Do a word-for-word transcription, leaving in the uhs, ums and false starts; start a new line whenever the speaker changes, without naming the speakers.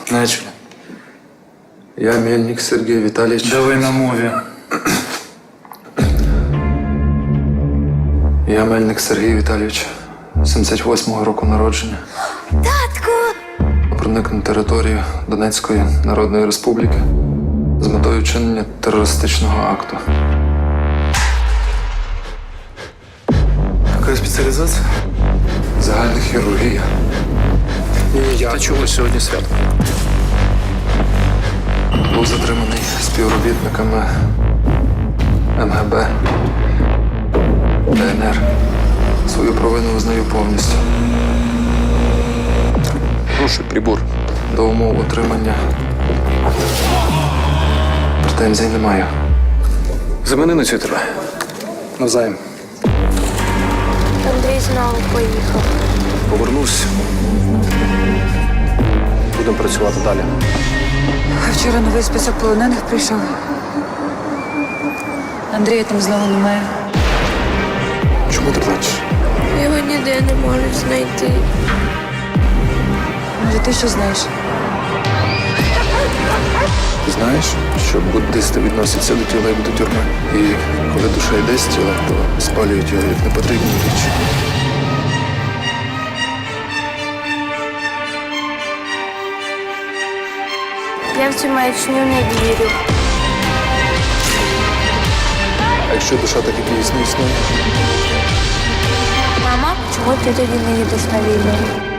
Начали.
Я Мельник Сергій Віталійович.
Давай на мові.
Я Мельник Сергій Віталійович, сімдесят восьмого року народження.
Татку!
Проник на територію Донецької Народної Республіки з метою вчинення терористичного акту.
Яка спеціалізація?
Загальна хірургія.
А чого сьогодні свято?
Був затриманий співробітниками ем ге бе, де ен ер. Свою провину визнаю повністю.
Прошу, прибор.
До умов отримання претензій не маю.
Замени на цю тебе. Навзаєм.
Андрій знову поїхав.
Повернусь. Будемо працювати далі.
Вчора новий список полонених прийшов. Андрія там знову немає.
Чому ти плачеш?
Його ніде не можуть знайти.
Може, ти що знаєш?
Ти знаєш, що буддисти відносяться до тіла як до тюрми. І коли душа йде з тіла, то спалюють його як непотрібні речі.
Я в цю маячню не вірю.
А якщо душа так і дійсно існує?
Мама, чому ти тоді не їдеш на війну?